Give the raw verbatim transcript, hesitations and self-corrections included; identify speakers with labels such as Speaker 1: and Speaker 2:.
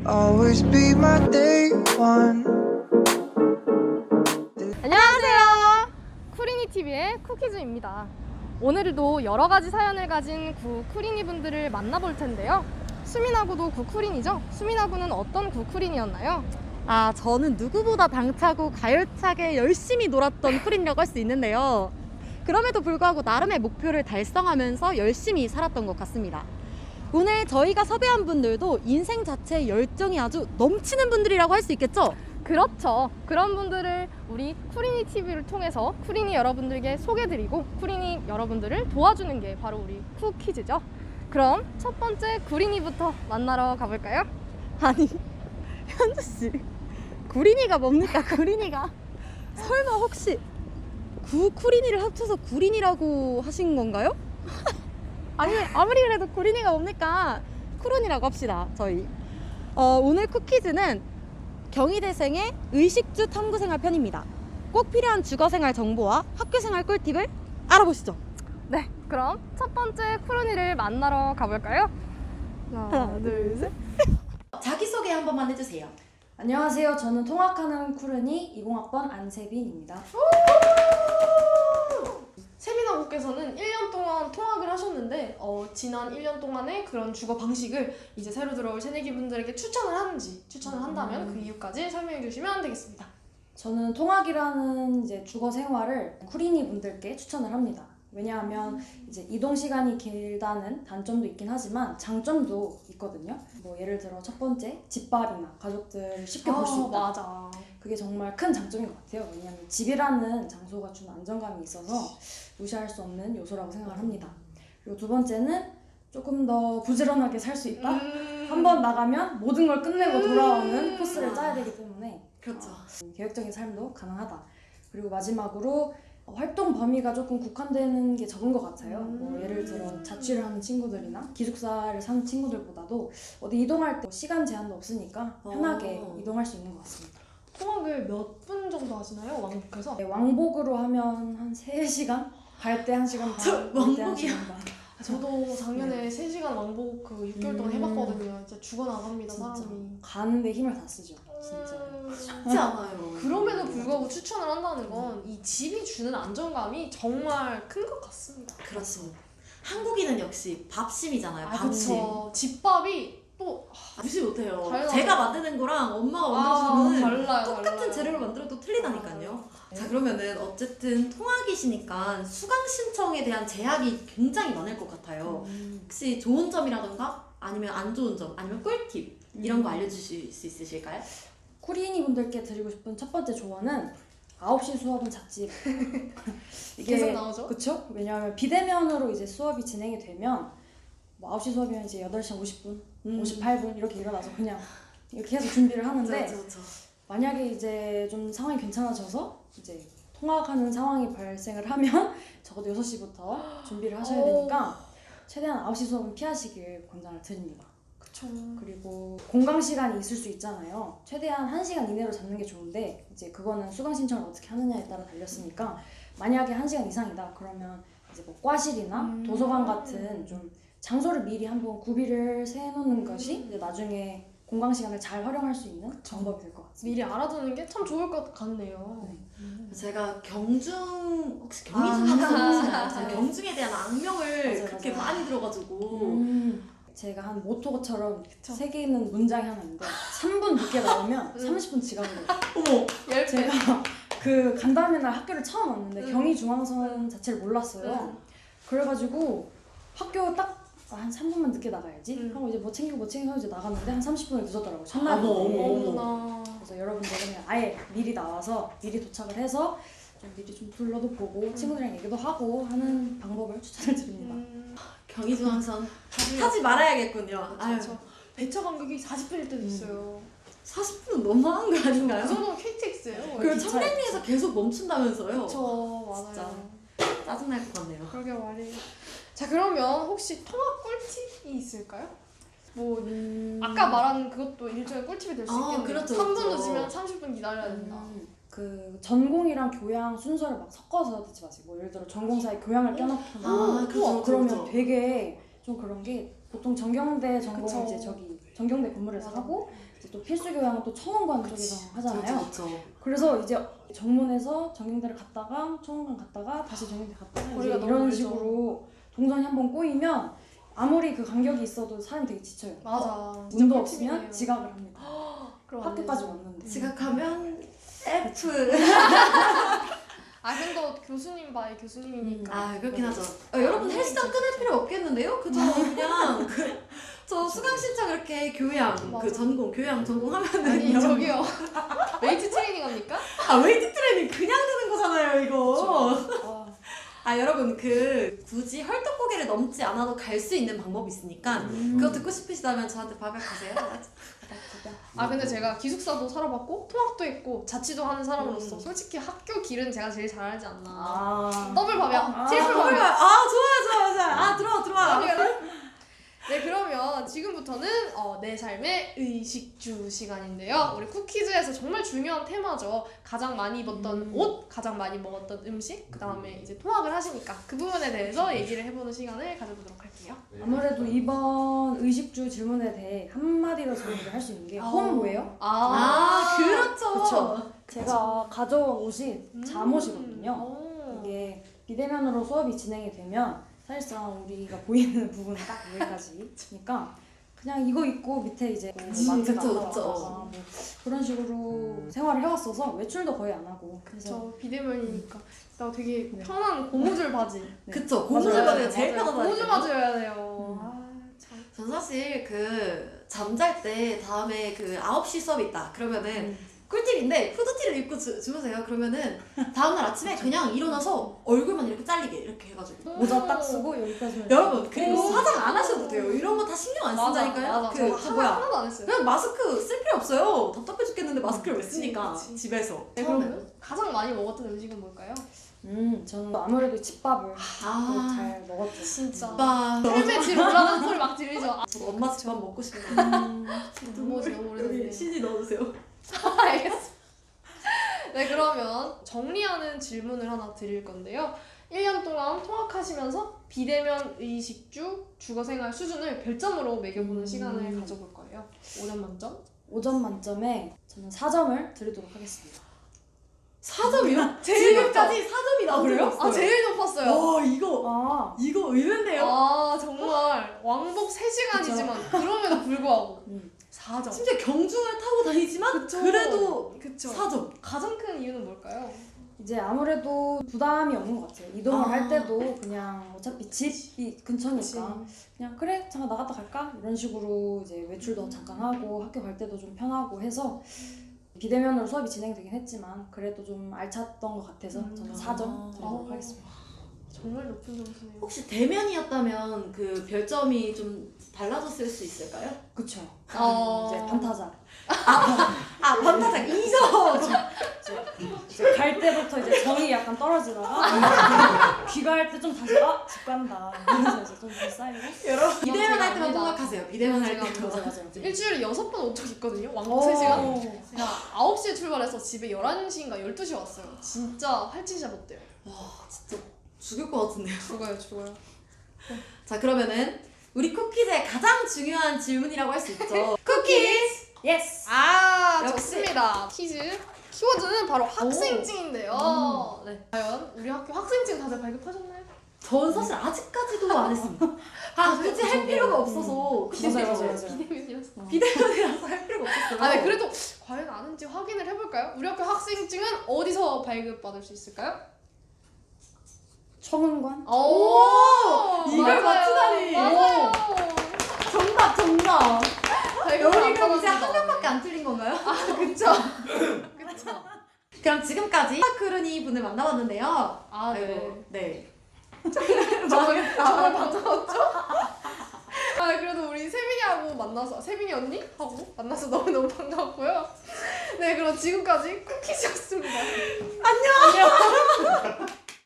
Speaker 1: always be my day one.
Speaker 2: 안녕하세요. 쿠리니티비의 쿠키즈입니다. 오늘도 여러가지 사연을 가진 구 쿠리니 분들을 만나볼 텐데요. 수민아구도 구 쿠린이죠? 수민아구는 어떤 구 쿠린이었나요?
Speaker 3: 아, 저는 누구보다 당차고 가열차게 열심히 놀았던 쿨이라고 할 수 있는데요. 그럼에도 불구하고 나름의 목표를 달성하면서 열심히 살았던 것 같습니다. 오늘 저희가 섭외한 분들도 인생 자체에 열정이 아주 넘치는 분들이라고 할 수 있겠죠?
Speaker 2: 그렇죠. 그런 분들을 우리 쿠리니 티비를 통해서 쿠리니 여러분들께 소개드리고 쿠리니 여러분들을 도와주는 게 바로 우리 쿠키즈죠. 그럼 첫 번째 구린이부터 만나러 가볼까요?
Speaker 3: 아니, 현주씨, 구린이가 뭡니까? 구린이가 설마 혹시 구 쿠린이를 합쳐서 구린이라고 하신 건가요? 아니, 아무리 그래도 구린이가 뭡니까? 쿠론이라고 합시다, 저희. 어, 오늘 쿠키즈는 경희대생의 의식주 탐구생활 편입니다. 꼭 필요한 주거생활 정보와 학교생활 꿀팁을 알아보시죠.
Speaker 2: 네, 그럼 첫 번째 쿠로니를 만나러 가볼까요? 하나, 둘, 셋.
Speaker 3: 자기소개 한 번만 해주세요.
Speaker 4: 안녕하세요. 저는 통학하는 쿠르니 이십 학번 안세빈입니다.
Speaker 5: 세빈아구께서는 일 년 동안 통학을 하셨는데 어, 지난 일 년 동안의 그런 주거 방식을 이제 새로 들어올 새내기 분들에게 추천을 하는지 추천을 한다면
Speaker 4: 음.
Speaker 5: 그 이유까지 설명해 주시면 되겠습니다.
Speaker 4: 저는 통학이라는 이제 주거 생활을 쿠리니 분들께 추천을 합니다. 왜냐하면 이제 이동 시간이 길다는 단점도 있긴 하지만 장점도 있거든요. 뭐 예를 들어 첫 번째 집밥이나 가족들 쉽게 볼 수
Speaker 5: 아,
Speaker 4: 있다.
Speaker 5: 맞아.
Speaker 4: 그게 정말 큰 장점인 것 같아요. 왜냐하면 집이라는 장소가 주는 안정감이 있어서 무시할 수 없는 요소라고 생각을 합니다. 그리고 두 번째는 조금 더 부지런하게 살 수 있다.
Speaker 5: 음.
Speaker 4: 한 번 나가면 모든 걸 끝내고 돌아오는
Speaker 5: 음.
Speaker 4: 코스를 짜야 되기 때문에
Speaker 3: 그렇죠.
Speaker 4: 어, 계획적인 삶도 가능하다. 그리고 마지막으로 어, 활동 범위가 조금 국한되는 게 적은 것 같아요.
Speaker 5: 음.
Speaker 4: 뭐 예를 들어 자취를 하는 친구들이나 기숙사를 사는 친구들보다도 어디 이동할 때 시간 제한도 없으니까 편하게
Speaker 3: 어.
Speaker 4: 이동할 수 있는 것 같습니다.
Speaker 5: 통학을 몇 분 정도 하시나요? 왕복해서?
Speaker 4: 네, 왕복으로 하면 한 세 시간? 갈 때 한 시간 반,
Speaker 3: 저
Speaker 4: 올 때 한
Speaker 3: 왕복이요?
Speaker 4: 시간 반.
Speaker 5: 저도 작년에 세 시간 왕복 그 육 개월 동안
Speaker 4: 음.
Speaker 5: 해봤거든요. 진짜 죽어나갑니다,
Speaker 4: 진짜
Speaker 5: 사람이.
Speaker 4: 가는데 힘을 다 쓰죠. 진짜.
Speaker 5: 음.
Speaker 3: 쉽지 않아요.
Speaker 5: 그럼에도 불구하고 추천을 한다는 건 이 집이 주는 안정감이 정말 큰 것 같습니다.
Speaker 6: 그렇습니다. 한국인은 역시 밥심이잖아요.
Speaker 5: 아,
Speaker 6: 밥심.
Speaker 5: 그쵸. 집밥이 또
Speaker 6: 무시 못해요.
Speaker 5: 달라요.
Speaker 6: 제가 만드는 거랑 엄마가
Speaker 5: 아,
Speaker 6: 만들어주는
Speaker 5: 달라요,
Speaker 6: 똑같은
Speaker 5: 달라요.
Speaker 6: 재료를 만들어도 틀리다니까요.
Speaker 5: 아,
Speaker 6: 자, 그러면은 어쨌든 통학이시니까 수강 신청에 대한 제약이 굉장히 많을 것 같아요.
Speaker 4: 음.
Speaker 6: 혹시 좋은 점이라던가 아니면 안 좋은 점 아니면 꿀팁 이런 거 알려주실 수 있으실까요?
Speaker 4: 쿠리니 분들께 드리고 싶은 첫 번째 조언은 아홉 시 수업은 잣집.
Speaker 5: 계속 나오죠?
Speaker 4: 그쵸? 왜냐하면 비대면으로 이제 수업이 진행이 되면 뭐 아홉 시 수업이면 이제 여덟 시 오십 분,
Speaker 6: 음.
Speaker 4: 오십팔 분 이렇게 일어나서 그냥 이렇게 해서 준비를 하는데
Speaker 6: 그렇죠, 그렇죠.
Speaker 4: 만약에 이제 좀 상황이 괜찮아져서 이제 통학하는 상황이 발생을 하면 적어도 여섯 시부터 준비를 하셔야 되니까 최대한 아홉 시 수업은 피하시길 권장을 드립니다.
Speaker 5: 그쵸.
Speaker 4: 그리고 공강 시간이 있을 수 있잖아요. 최대한 한 시간 이내로 잡는 게 좋은데 이제 그거는 수강 신청을 어떻게 하느냐에 따라 달렸으니까 만약에 한 시간 이상이다 그러면 이제 뭐 과실이나
Speaker 5: 음.
Speaker 4: 도서관 같은 좀 장소를 미리 한번 구비를 세놓는 것이 이제 나중에 공강 시간을 잘 활용할 수 있는 방법이 될 것 같습니다.
Speaker 5: 미리 알아두는 게 참 좋을 것 같네요.
Speaker 4: 네.
Speaker 6: 제가 경중 혹시 경희중
Speaker 4: 아.
Speaker 6: 학생이시나요? 제가
Speaker 4: 네.
Speaker 6: 경중에 대한 악명을
Speaker 4: 맞아요,
Speaker 6: 그렇게
Speaker 4: 맞아요.
Speaker 6: 많이 들어가지고
Speaker 4: 음, 제가 한 모토처럼
Speaker 5: 그쵸.
Speaker 4: 새겨 있는 문장이 하나 있는데 삼 분 늦게 나오면
Speaker 5: 음.
Speaker 4: 삼십 분 지각을 해요.
Speaker 6: 어머
Speaker 5: 열 배.
Speaker 4: 제가 그 간담회 날 학교를 처음 왔는데
Speaker 5: 음.
Speaker 4: 경희중앙선 자체를 몰랐어요.
Speaker 5: 음.
Speaker 4: 그래가지고 학교 딱 한 삼 분만 늦게 나가야지
Speaker 5: 음.
Speaker 4: 하고 이제 뭐 챙기고 뭐 챙기고 이제 나갔는데 한 삼십 분을 늦었더라고요. 첫날인데.
Speaker 6: 어머, 어머, 어머.
Speaker 5: 어머나.
Speaker 4: 그래서 여러분들은 그냥 아예 미리 나와서 미리 도착을 해서 좀 미리 좀 둘러도 보고 친구들이랑 얘기도 하고 하는 방법을 추천을 드립니다.
Speaker 5: 음.
Speaker 6: 경희중앙선
Speaker 5: 다들-
Speaker 6: 타지 말아야겠군요. 아유,
Speaker 5: 그쵸. 배차 간격이 사십 분일 때도 있어요.
Speaker 6: 사십 분은 너무한 거 아닌가요?
Speaker 5: 그 정도면 케이티엑스예요.
Speaker 6: 그
Speaker 4: 기차에
Speaker 6: 청량리에서 계속 멈춘다면서요?
Speaker 5: 그쵸,
Speaker 6: 진짜.
Speaker 5: 맞아요.
Speaker 6: 짜증날 것 같네요.
Speaker 5: 그러게 말이에요. 자, 그러면 혹시 통학 꿀팁이 있을까요? 뭐
Speaker 4: 음.
Speaker 5: 아까 말한 그것도 일종의 꿀팁이 될 수
Speaker 6: 아,
Speaker 5: 있겠네요.
Speaker 6: 그렇죠,
Speaker 5: 삼 분
Speaker 6: 그렇죠.
Speaker 5: 늦으면 삼십 분 기다려야 된다.
Speaker 4: 음, 그 전공이랑 교양 순서를 막 섞어서 듣지 마세요. 뭐 예를 들어 전공사에 교양을 껴넣거나
Speaker 6: 아, 그렇죠,
Speaker 4: 그러면
Speaker 6: 그렇죠.
Speaker 4: 되게 좀 그런 게 보통 전경대 전공
Speaker 5: 그쵸.
Speaker 4: 이제 저기 전경대 건물에서 하고 이제 또 필수 교양은 또 청원관 쪽에서 하잖아요.
Speaker 6: 그렇죠.
Speaker 4: 그래서 이제 정문에서 전경대를 갔다가 청원관 갔다가 다시 전경대 갔다가 이제
Speaker 5: 거리가 너무
Speaker 4: 이런
Speaker 5: 멀죠.
Speaker 4: 식으로 동선이 한번 꼬이면 아무리 그 간격이 있어도 사람이 되게 지쳐요.
Speaker 5: 맞아.
Speaker 4: 운도 없으면 지각을 합니다.
Speaker 5: 그럼 안
Speaker 4: 학교까지
Speaker 5: 되죠.
Speaker 4: 왔는데.
Speaker 6: 지각하면 F.
Speaker 5: 아 근데 교수님 바이 교수님이니까.
Speaker 6: 아 그렇긴 하죠. 어, 여러분 헬스장 끊을 필요 없겠는데요? 그저 그냥 그, 저 수강 신청 이렇게 교양 그
Speaker 5: 맞아.
Speaker 6: 전공 교양 전공하면은
Speaker 5: 아니
Speaker 6: 여러분-
Speaker 5: 저기요. 웨이트 트레이닝 합니까?
Speaker 6: 아 웨이트 트레이닝 그냥 드는 거잖아요 이거.
Speaker 4: 아,
Speaker 6: 아 여러분 그 굳이 헐떡고개를 넘지 않아도 갈 수 있는 방법이 있으니까 그거 듣고 싶으시다면 저한테 박약하세요.
Speaker 5: 아 근데 제가 기숙사도 살아봤고 통학도 했고 자취도 하는 사람으로서
Speaker 6: 음.
Speaker 5: 솔직히 학교 길은 제가 제일 잘 알지 않나.
Speaker 4: 아.
Speaker 5: 더블 밥이야.
Speaker 4: 아,
Speaker 5: 트리플
Speaker 6: 아,
Speaker 5: 밥이야.
Speaker 6: 아 좋아요 좋아요 좋아요. 아 들어와 들어와.
Speaker 5: 네 그러면 지금부터는 어, 내 삶의 의식주 시간인데요. 우리 쿠키즈에서 정말 중요한 테마죠. 가장 많이 입었던
Speaker 4: 음.
Speaker 5: 옷, 가장 많이 먹었던 음식, 그 다음에 이제 통학을 하시니까 그 부분에 대해서 얘기를 해보는 시간을 가져보도록 할게요.
Speaker 4: 아무래도 이번 의식주 질문에 대해 한마디로 정리를 할 수 있는 게 홈 뭐예요?
Speaker 6: 아 그렇죠.
Speaker 4: 그쵸. 제가 가져온 옷이
Speaker 5: 음.
Speaker 4: 잠옷이거든요.
Speaker 5: 오.
Speaker 4: 이게 비대면으로 수업이 진행이 되면 사실상 우리가 보이는 부분은 딱 여기까지니까 그냥 이거 입고 밑에 이제 뭐
Speaker 6: 음,
Speaker 4: 마트
Speaker 6: 그쵸,
Speaker 4: 갔다
Speaker 6: 그쵸.
Speaker 4: 왔다가 뭐 그런 식으로 생활을 해왔어서 외출도 거의 안 하고 그래서
Speaker 5: 저 비대면이니까 나 되게
Speaker 4: 네.
Speaker 5: 편한 고무줄 바지.
Speaker 4: 네.
Speaker 6: 그쵸 고무줄
Speaker 4: 맞아요.
Speaker 6: 바지가 제일
Speaker 5: 맞아요.
Speaker 6: 편하다니까요.
Speaker 5: 고무줄 바지여야 돼요.
Speaker 4: 음.
Speaker 5: 아 참.
Speaker 6: 전 사실 그 잠잘 때 다음에 그 아홉 시 수업 있다 그러면은
Speaker 4: 음.
Speaker 6: 꿀팁인데 후드티를 입고 주, 주무세요. 그러면은 다음날 아침에 그냥 일어나서 얼굴만 이렇게 잘리게 이렇게 해가지고
Speaker 4: 모자 딱 쓰고 여기까지만
Speaker 6: 여러분 그리고
Speaker 5: 오.
Speaker 6: 화장 안 하셔도 돼요. 이런 거 다 신경 안
Speaker 5: 맞아,
Speaker 6: 쓴다니까요.
Speaker 5: 맞아.
Speaker 6: 그
Speaker 5: 저
Speaker 6: 저
Speaker 5: 하나,
Speaker 6: 뭐야
Speaker 5: 하나도 안 했어요.
Speaker 6: 그냥 마스크 쓸 필요 없어요. 답답해 죽겠는데 마스크를 왜
Speaker 5: 그치,
Speaker 6: 쓰니까
Speaker 5: 그치.
Speaker 6: 집에서
Speaker 5: 네, 그러면 가장 많이 먹었던 음식은 뭘까요?
Speaker 4: 음 저는 아무래도 집밥을
Speaker 6: 아
Speaker 4: 잘 먹었죠.
Speaker 5: 진짜.
Speaker 6: 오빠
Speaker 5: 헬멧 뒤로 올라가는 소리 막 들리죠. 아,
Speaker 6: 저도 엄마 집밥 먹고 싶네요.
Speaker 5: 눈물이 너무 오래됐네.
Speaker 6: 여기 씨지 넣어주세요.
Speaker 5: 알겠습니다. 네, 그러면 정리하는 질문을 하나 드릴 건데요. 일 년 동안 통학하시면서 비대면 의식주 주거생활 수준을 별점으로 매겨보는
Speaker 4: 음.
Speaker 5: 시간을 가져볼 거예요. 오 점 만점?
Speaker 4: 오 점 만점에 저는 사 점을 드리도록 하겠습니다.
Speaker 6: 사 점이요?
Speaker 5: 제일
Speaker 6: 지금까지 사 점이 나오래요?
Speaker 5: 아, 제일 높았어요.
Speaker 6: 와 이거
Speaker 4: 아,
Speaker 6: 이거 의외인데요?
Speaker 5: 아, 정말 왕복 세 시간이지만 그럼에도 불구하고
Speaker 4: 음.
Speaker 5: 사 점.
Speaker 6: 심지어 경중을 타고 다니지만
Speaker 5: 그쵸.
Speaker 6: 그래도
Speaker 5: 그쵸.
Speaker 6: 사 점.
Speaker 5: 가장 큰 이유는 뭘까요?
Speaker 4: 이제 아무래도 부담이 없는 것 같아요. 이동을
Speaker 6: 아.
Speaker 4: 할 때도 그냥 어차피 집이 근처니까
Speaker 5: 그치.
Speaker 4: 그냥 그래 잠깐 나갔다 갈까 이런 식으로 이제 외출도 잠깐 하고 학교 갈 때도 좀 편하고 해서 비대면으로 수업이 진행되긴 했지만 그래도 좀 알찼던 것 같아서
Speaker 5: 음.
Speaker 4: 저는 사 점 드리도록
Speaker 5: 아.
Speaker 4: 하겠습니다.
Speaker 5: 정말 높은 점수네요.
Speaker 6: 혹시 대면이었다면 그 별점이 좀 달라졌을 수 있을까요?
Speaker 4: 그쵸.
Speaker 5: 어.
Speaker 4: 이제 반타작.
Speaker 6: 아 반타작 이 점!
Speaker 4: 이제, 이제 갈 때부터 이제 정이 약간 떨어지다가 귀가할 때 좀 다시 아집 간다 이러면서 이제 좀 다시 쌓이고.
Speaker 6: 여러분 비대면
Speaker 5: 제가
Speaker 6: 할 때만
Speaker 5: 압니다.
Speaker 6: 통학하세요. 비대면 할
Speaker 5: 제가
Speaker 6: 때.
Speaker 4: 맞아 맞아 맞아.
Speaker 5: 일주일에 여섯 번 온 적 있거든요. 왕복 세 시간.
Speaker 4: 오.
Speaker 5: 제가 아홉 시에 출발해서 집에 열한 시인가 열두 시에 왔어요. 진짜 할진샷 못돼요.
Speaker 6: 와 진짜 죽을 것 같은데요.
Speaker 5: 죽어요, 죽어요.
Speaker 6: 자 그러면은 우리 쿠키즈의 가장 중요한 질문이라고 할 수 있죠. 쿠키즈!
Speaker 4: 예스.
Speaker 5: 아,
Speaker 6: 역시.
Speaker 5: 좋습니다. 퀴즈. 키워드는 바로 학생증인데요. 네. 과연 우리 학교 학생증 다들 발급하셨나요?
Speaker 6: 전 사실 아직까지도 안 했습니다. 아 굳이 할 필요가 없어서
Speaker 4: 맞아요 맞아요 맞아요.
Speaker 5: 비대면이었어.
Speaker 6: 비대면이라서 할 필요가 없었어요.
Speaker 5: 아, 네. 그래도 과연 아는지 확인을 해볼까요? 우리 학교 학생증은 어디서 발급받을 수 있을까요?
Speaker 4: 청운관.
Speaker 5: 오!
Speaker 6: 이걸
Speaker 5: 맞아요.
Speaker 6: 맞추다니.
Speaker 5: 맞아요.
Speaker 6: 정답 정답.
Speaker 5: 발급을
Speaker 6: 여기 그럼 이제
Speaker 5: 안
Speaker 6: 한
Speaker 5: 받았는데.
Speaker 6: 명밖에 안 틀린 건가요?
Speaker 5: 아, 그쵸. 그쵸.
Speaker 6: 그럼 지금까지 파크루니 분을 만나봤는데요.
Speaker 5: 아, 네.
Speaker 6: 아이고, 네.
Speaker 5: 정말, 정말 반가웠죠? 아, 그래도 우리 세빈이하고 만나서, 세빈이 언니? 하고 만나서 너무너무 반가웠고요. 네, 그럼 지금까지 쿠키즈였습니다.
Speaker 6: 안녕.